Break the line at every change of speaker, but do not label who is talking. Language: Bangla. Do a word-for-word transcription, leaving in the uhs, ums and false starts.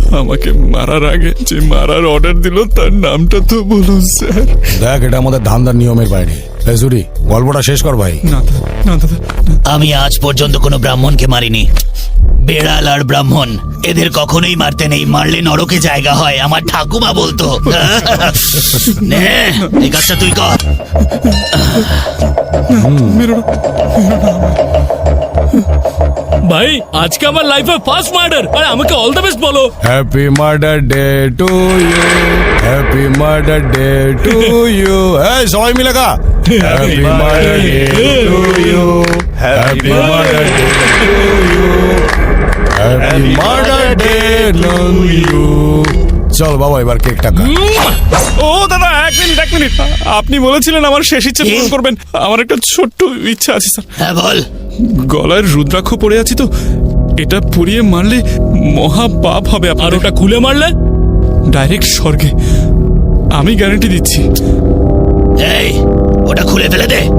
আমাকে মারার আগে যে মারার অর্ডার দিল তার নামটা তো বলুন স্যার।
দেখ, এটা আমাদের ধান্দার নিয়মের বাইরে। সুরি, গল্পটা শেষ কর ভাই।
না দাদা, না দাদা,
আমি আজ পর্যন্ত কোনো ব্রাহ্মণকে মারিনি। বেড়াল আর ব্রাহ্মণ এদের কখনোই মারতে নেই, মারলে নরকে জায়গা হয়, আমার ঠাকুমা বলতো। নে, এই কাজটা তুই কর।
মেরো না, মেরো না আমায়।
ভাই আজকে আমার লাইফে ফার্স্ট মার্ডার, আর আমাকে অল দ্য বেস্ট বলো।
Happy murder day to you, happy murder day to you. এই সবাই মিলে গা। Happy murder day to you, happy murder day to you, happy murder day to you. চল বাবা, এবার কেকটা খা।
ও দাদা, এক মিনিট এক মিনিট আপনি বলেছিলেন আমার শেষ ইচ্ছে পূরণ করবেন। আমার একটা ছোট্ট ইচ্ছা আছে স্যার।
হ্যাঁ বল।
গলায় রুদ্রাক্ষ পড়ে আছি তো, এটা পুড়িয়ে মারলে মহা পাপ হবে।
আর
আপনার
ওটা খুলে মারলে
ডাইরেক্ট স্বর্গে, আমি গ্যারান্টি দিচ্ছি।
এই ওটা খুলে ফেলে দে।